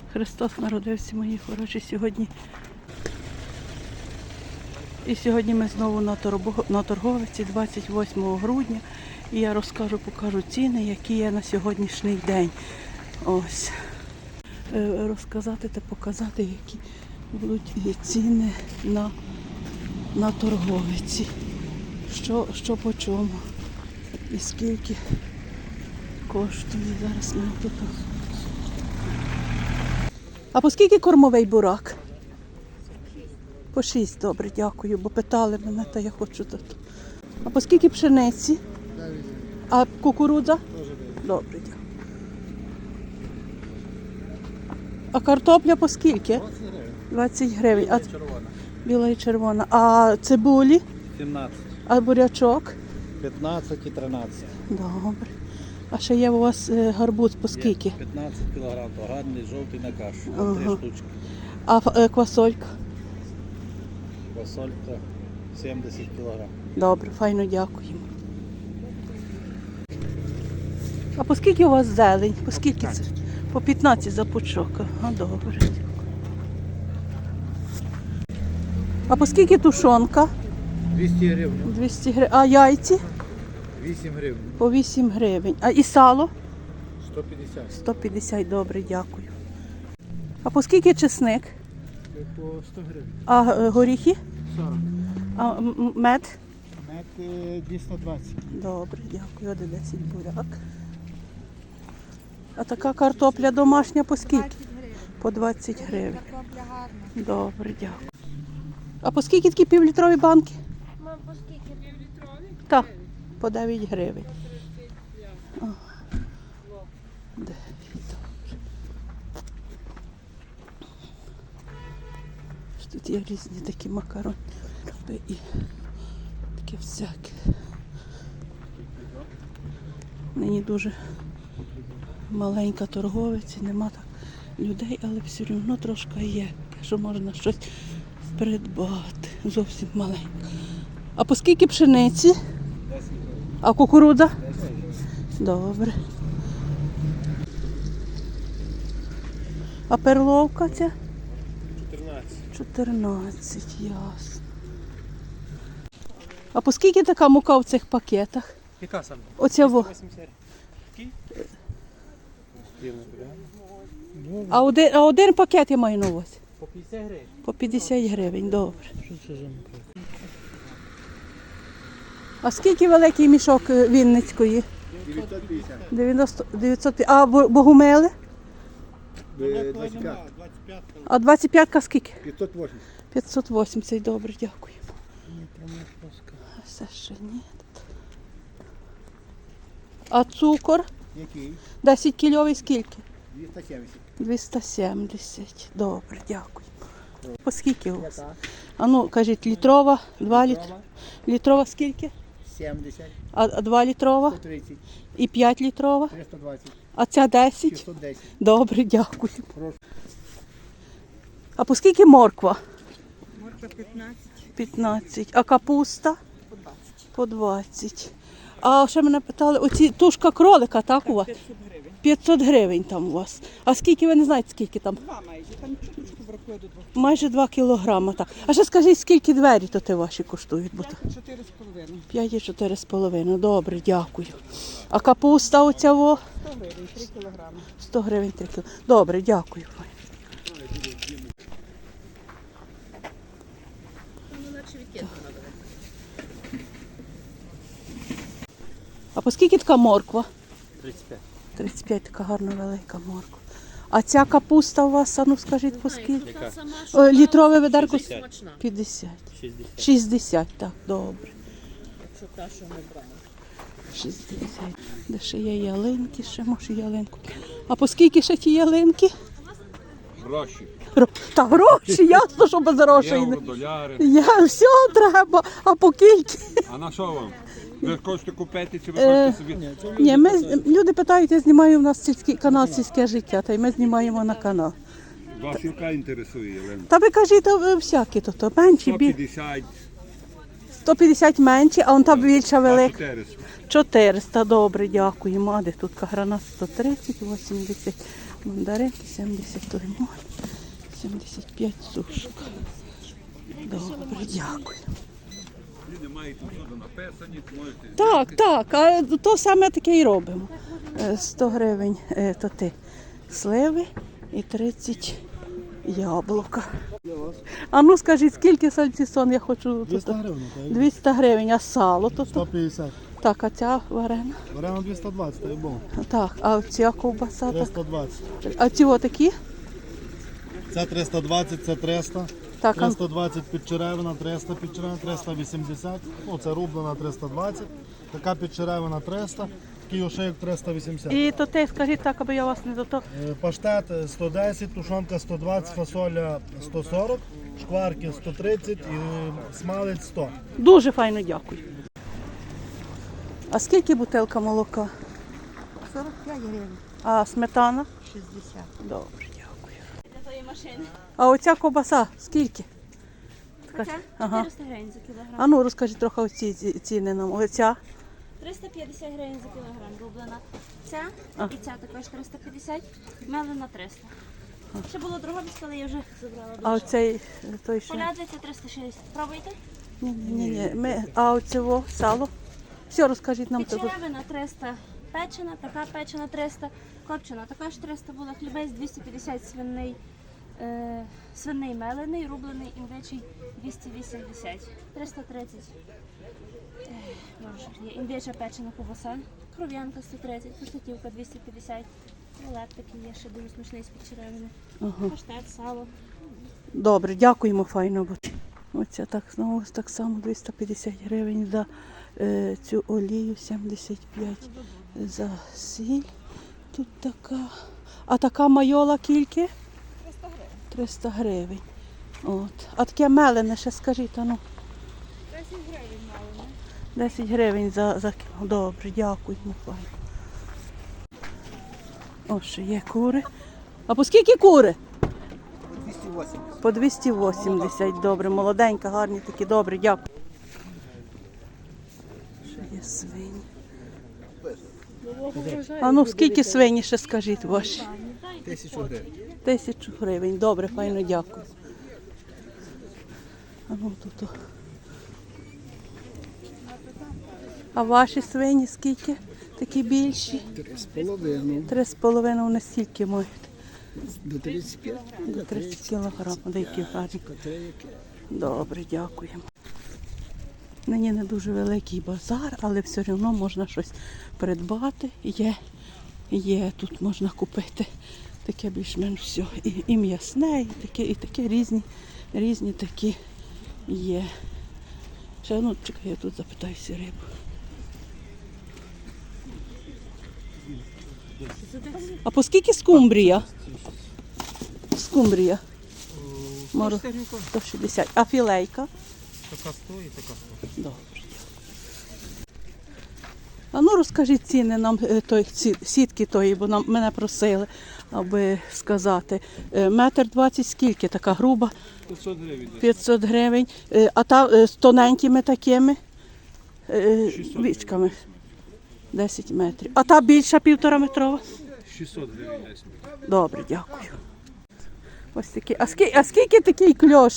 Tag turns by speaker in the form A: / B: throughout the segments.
A: Христос народився, мої хороші, сьогодні. І сьогодні ми знову на торговиці 28 грудня. І я покажу ціни, які є на сьогоднішній день. Ось. Розказати та показати, які будуть ціни на торговиці. Що по чому. І скільки коштує. Зараз ми тут. А по скільки кормовий бурак? По 6, добре, дякую, бо питали мене, та я хочу тут. А по скільки пшениці? А кукурудза? Добре, дякую. А картопля по скільки? 20 гривень. А біла і червона. А цибулі?
B: 17.
A: А бурячок?
B: 15 і 13.
A: Добре. А ще є у вас гарбуз по скільки?
B: 15 кг, то гарний, жовтий на кашу.
A: Ага.
B: 3 штучки.
A: А квасолька?
B: Фасолька 70 кг.
A: Добре, файно дякуємо. А по скільки у вас зелень? По скільки це? По 15 за пучок. Ага, добре. А по скільки тушонка?
B: 200 гривень.
A: 200 гривень. А яйці?
B: 8 гривень.
A: По 8 гривень. А і сало?
B: 150.
A: 150, добре, дякую. А по скільки чесник?
B: По 100 гривень.
A: А горіхи?
B: 40.
A: А мед?
B: Мед 220.
A: Добре, дякую. 10 буряк. А така картопля домашня по скільки? По 20 гривень. Добре, дякую. А по скільки такі півлітрові банки?
C: Мам, по скільки? Півлітрові?
A: Так, по 9 гривень. Ага. 9, добре. Тут є різні такі макарони і таке всяке. Нині дуже маленька торговиця, нема так людей, але все одно трошки є, що можна щось придбати. Зовсім маленька. А по скільки пшениці?
B: 10 гривень.
A: А кукурудза?
B: 10 гривень.
A: Добре. А перловка ця?
B: 14.
A: 14, ясно. А по скільки така мука в цих пакетах?
B: Яка саме?
A: Оця во.
B: 180. Який?
A: А один пакет я маю на увазі.
B: По 50 гривень.
A: По 50 гривень, добре.
B: Що це за мука?
A: А скільки великий мішок Вінницької?
B: 950.
A: 950. А богумили?
B: 25.
A: А 25-ка скільки?
B: 580.
A: 580, добре, дякую. А все ще ні. А цукор?
B: Який?
A: 10 кільовий скільки?
B: 270.
A: 270. Добре, дякую. По скільки у вас?
B: Яка?
A: А ну, кажіть, літрова, 2 літри. Літрова скільки?
B: 70.
A: А 2 літрова?
B: 130.
A: І 5 літрова?
B: 320.
A: А ця 10?
B: 610.
A: Добре, дякую.
B: Прошу.
A: А по скільки морква?
C: Морква 15.
A: 15. А капуста?
C: По 20.
A: По 20. А ще мене питали, оці тушка кролика, так у вас?
C: 500 гривень.
A: 500 гривень там у вас. А скільки, ви не знаєте, скільки там?
C: 2 майже. Там чуточку бракує до 2.
A: Майже 2 кілограми. Так. А ще скажіть, скільки двері то ваші коштують? Бо
C: 4,5.
A: 5 і 4,5. Добре, дякую. А капуста оця во?
C: 100 гривень, 3 кілограми.
A: 100 гривень 3 кіло. Добре, дякую. А по скільки така морква?
B: 35.
A: 35, така гарна велика морква. А ця капуста у вас, а ну скажіть, по скільки?
B: Яка?
A: Літрове ведерко?
B: 50.
A: 50.
B: 60.
A: 60, так, добре.
C: Якщо та, що ми брали.
A: 60. Де ще є ялинки, ще може ялинку. А по скільки ще ті ялинки?
D: Гроші.
A: Та гроші, ясно, що без грошей.
D: Євро, доляри.
A: Я все треба, а по кільки?
D: А на що вам? Ви хочете купити чи ви хочете собі?
A: Ні, люди питають, я знімаю у нас канал «Сільське життя», та й ми знімаємо на канал.
D: Вас яка інтересує, Єлена?
A: Та ви кажіть, всякі то менші,
D: 150,
A: 150 менші, а он та більша
D: а
A: велика.
D: 400.
A: 400, добре, дякуємо. А де тут гранат 130, 80. Мандаринки 70 лимон, 75 сушка. Добре, дякую.
D: Люди мають усюди написані, можете.
A: Так, так, а то саме таке і робимо. 100 гривень то ти сливи і 30 яблука. А ну скажіть, скільки сальцісон я хочу?
E: 200 гривень, так?
A: 200 гривень, а сало то?
E: 150.
A: Так, а ця варена?
E: Беремо 220, так і було.
A: Так, а ця ковбаса? Так.
E: 320.
A: А ці отакі?
E: Це 320, це 300.
A: Так, а
E: 320 підчеревина, 300 підчеревина, 380. Ну, це рублена 320. Така підчеревина 300. Такий ошейок 380.
A: і то те, скажіть так, аби я вас не до того.
E: Паштет 110, тушонка 120, фасоля 140, шкварки 130 і смалець 100.
A: Дуже файно дякую. А скільки бутилка молока?
C: 45 гривень,
A: А сметана?
C: 60.
A: Добре, дякую. А оця ковбаса скільки?
F: Оця
A: Ага.
F: 400 гривень за кілограм.
A: А ну розкажіть трохи оці ціни нам. Оця
F: 350 гривень за кілограм рублена. Ця
A: А.
F: і ця також 350, мелена 300. Ще було Дрогобицька, але я вже забрала
A: а
F: дуже.
A: оцей той що?
F: Полядвиця 360. Пробуйте.
A: Ні. А оцього сало? Все, розкажіть нам того.
F: Печеревина 300 печена, така печена 300, копчена також 300 була, хлібець 250 свиний, свиний мелений, рублений, індичий 280, 330. Боже, є індича печена ковбаса, кров'янка 130, паштетівка 250, рулет такий є, ще дуже смачний з печеревини,
A: Ага.
F: паштет, сало.
A: Добре, дякуємо, файно буде. Оця так знову так само 250 гривень за цю олію, 75 за сіль. Тут така. А така майола кільки? 300 гривень. От. А таке мелене ще скажіть, ану.
F: 10 гривень мелене.
A: 10 гривень за кіло. Добре, дякуємо. Файно. О, ще є кури. А по скільки кури?
B: 280.
A: По 280, добре, молоденька, гарні такі, добре, дякую. Ще є свині. А ну скільки свині ще скажіть ваші?
B: 1000 гривень.
A: 1000 гривень, добре, файно, дякую. А ну тут. А ваші свині скільки? Такі більші?
B: 3,5.
A: 3,5 вони стільки мають?
B: До 35.
A: До 30 кілограм, деякі гарні. Добре, дякуємо. Нині не дуже великий базар, але все одно можна щось придбати. Є тут можна купити таке більш-менш все. І м'ясне, і таке різні такі є. Ще, ну, чекай, я тут запитаюся рибу. А по скільки скумбрія? Скумбрія. 160. А філейка?
E: Така 100 і така 100.
A: Добре. А ну розкажіть ціни нам сітки тої, бо мене просили, аби сказати. 1,20 м скільки така груба?
D: 500 гривень.
A: 500 гривень. А та з тоненькими такими
D: 600
A: вічками? 10 метрів. А та більша 1,5 метрова?
D: 600 гривень десь.
A: Добре, дякую. Ось такі. А скільки такий кльош?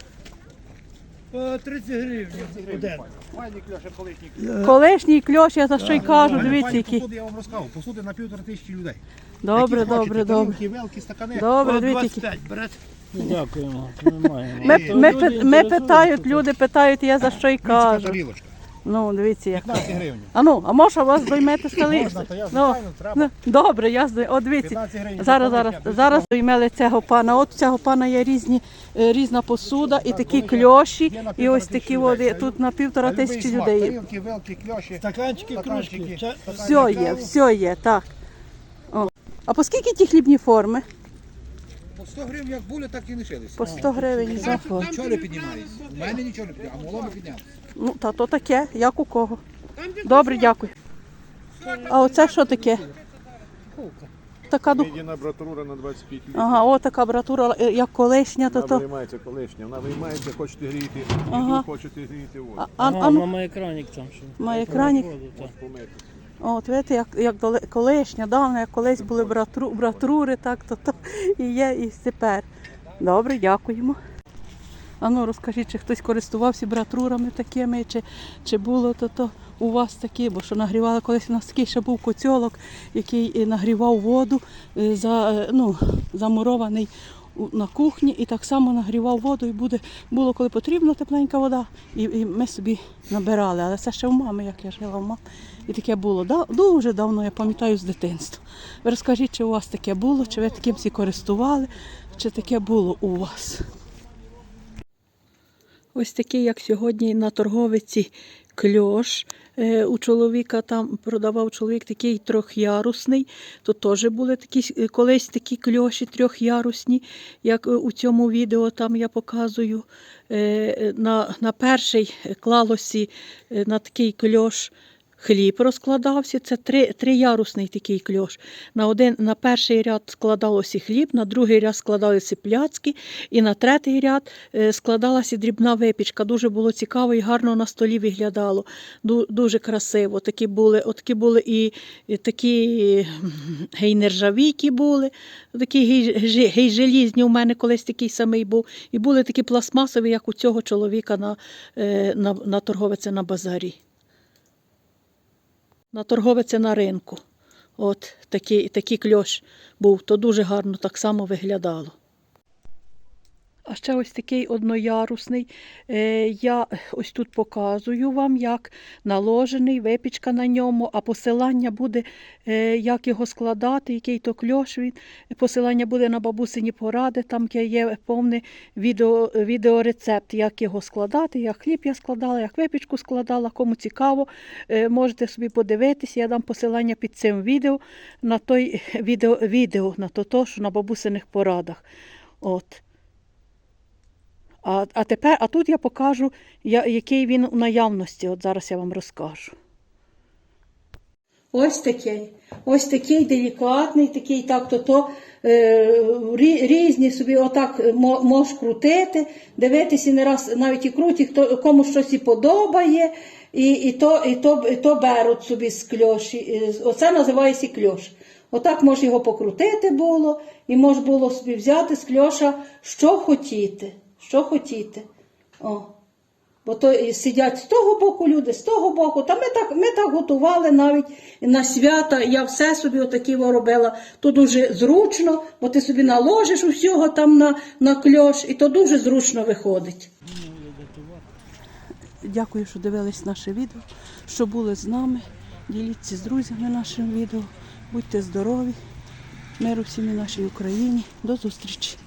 E: 30 гривень один.
B: Майні кльоше колишній.
A: Колишній кльош, я за що й кажу, дивіться який.
B: Посуди, я вам розказав, посуди на 1500 людей.
A: Добре,
B: Які хочете,
A: добре.
B: тарілки, великі, стакани.
A: Добре, дивіться які.
B: 25 берете.
E: Дякуємо, немає.
A: Ми питають, люди питають, я за що й
B: Така
A: кажу.
B: тарілочка.
A: Ну, дивіться як.
B: 15 гривень.
A: А ну, а може вас доймете стали?
B: Можна, то я
A: Ну,
B: звичайно, треба.
A: ну, добре, я здаю. О, дивіться.
B: 15 гривень.
A: Зараз доймели цього пана. От у цього пана є різна посуда, і такі кльоші, і ось такі води. Тут на 1500 людей.
B: Тарілки, великі, кльоші.
E: Стаканчики, кружки.
A: Все є, так. О. А по скільки ті хлібні форми?
B: По 100 гривень як були, так і лишилися.
A: По 100 гривень за форму.
B: Нічого не піднімається. У мене нічого не піднімається, а моломи піднялися.
A: Ну, та то таке, як у кого. Добре, дякую. А оце що таке? Така
G: Медіана братура на 25 літрів.
A: Ага, о, така братура, як колишня, то
G: Вона
A: то.
G: виймається колишня. Вона виймається, хочете гріти,
A: Ага.
G: хочете гріти воду.
A: Ну,
E: Має екранік там. Що.
A: має екранік.
E: Воду, так.
G: Помити.
A: От, видите, як колишня, давно, як колись були братрури, так, то і є, і тепер. Добре, дякуємо. А ну, розкажіть, чи хтось користувався братрурами такими, чи було то у вас такі, бо що нагрівали колись, у нас такий ще був коцьолок, який нагрівав воду, замурований на кухні, і так само нагрівав воду, і було, коли потрібно, тепленька вода, і ми собі набирали. Але це ще у мами, як я жила у мами. І таке було дуже давно, я пам'ятаю, з дитинства. Ви розкажіть, чи у вас таке було, чи ви таким всі користували, чи таке було у вас? Ось такий, як сьогодні на торговиці, кльош. У чоловіка там продавав чоловік такий трьохярусний. Тут теж були колись такі кльоші трьохярусні, як у цьому відео там я показую. На перший клалося на такий кльош хліб розкладався, це триярусний такий кльош. На перший ряд складалося хліб, на другий ряд складалися пляцки, і на третій ряд складалася дрібна випічка. Дуже було цікаво і гарно на столі виглядало. Дуже красиво. Такі були і такі гей-нержавійкі були, такі гей-желізні, у мене колись такий самий був. І були такі пластмасові, як у цього чоловіка на торговиці на базарі. На торговиці на ринку. От такий кльош був, то дуже гарно так само виглядало. А ще ось такий одноярусний. Я ось тут показую вам, як наложений, випічка на ньому, а посилання буде, як його складати, який то кльош він. Посилання буде на бабусині поради, там є повний відеорецепт, як його складати, як хліб я складала, як випічку складала. Кому цікаво, можете собі подивитися, я дам посилання під цим відео, на той відео, на то, що на бабусиних порадах. От. А тут я покажу, який він у наявності. От зараз я вам розкажу. Ось такий делікатний, такий різні собі отак можеш крутити, дивитися не раз навіть і круті, кому щось і подобає, і то беруть собі з кльоші. Оце називається кльош. Отак може його покрутити було, і може було собі взяти з кльоша, що хотіти. Що хотіте. Бо то сидять з того боку люди, з того боку. Та ми так готували навіть на свята. Я все собі отакі робила. То дуже зручно, бо ти собі наложиш усього там на кльош, і то дуже зручно виходить. Дякую, що дивились наше відео, що були з нами. Діліться з друзями нашим відео. Будьте здорові. Миру всім і нашій Україні. До зустрічі.